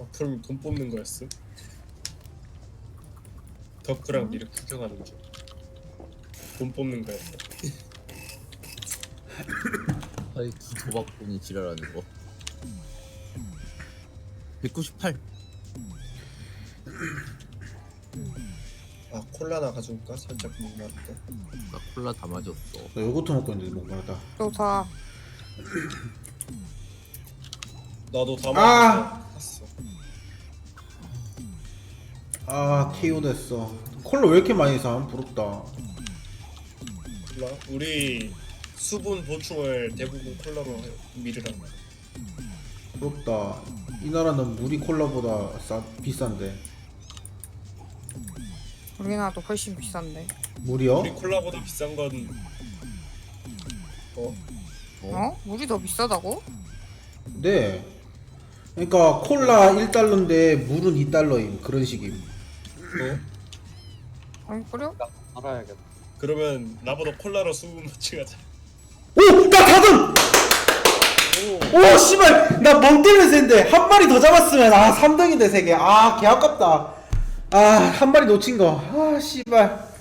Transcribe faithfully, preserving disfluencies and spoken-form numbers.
아, 그럼 돈 뽑는 거였어? 덕후랑 미를 구경하는 게 돈 뽑는 거였어. 아이 도박꾼이 지랄하는 거. 백구십팔. 아 콜라나 가져올까? 살짝 목마르다. 나 콜라 다 마셨어. 나 요거트 먹고 있는데 목마르다. 또 사. 나도 다 아! 먹었어. 아 케이오 됐어. 콜라 왜 이렇게 많이 사? 부럽다. 콜라? 우리 수분 보충을 대부분 콜라로 해- 미르란 말이야. 부럽다. 이 나라는 물이 콜라보다 싸 비싼데. 우리나라도 훨씬 비싼데. 물이요? 우리 콜라보다 비싼 건 어? 어? 물이 더 비싸다고? 네. 그러니까 콜라 일 달러인데 물은 이 달러임. 그런 식임. 어? 아니 그래? 알아야겠다. 그러면 나보다 콜라로 수분 보충하자. 오! 나 다듬! 오! 오 씨발! 나 멍 때면서 했는데 한 마리 더 잡았으면 아 삼 등인데 세 개. 아 개 아깝다. 아 한 마리 놓친 거. 아 씨발.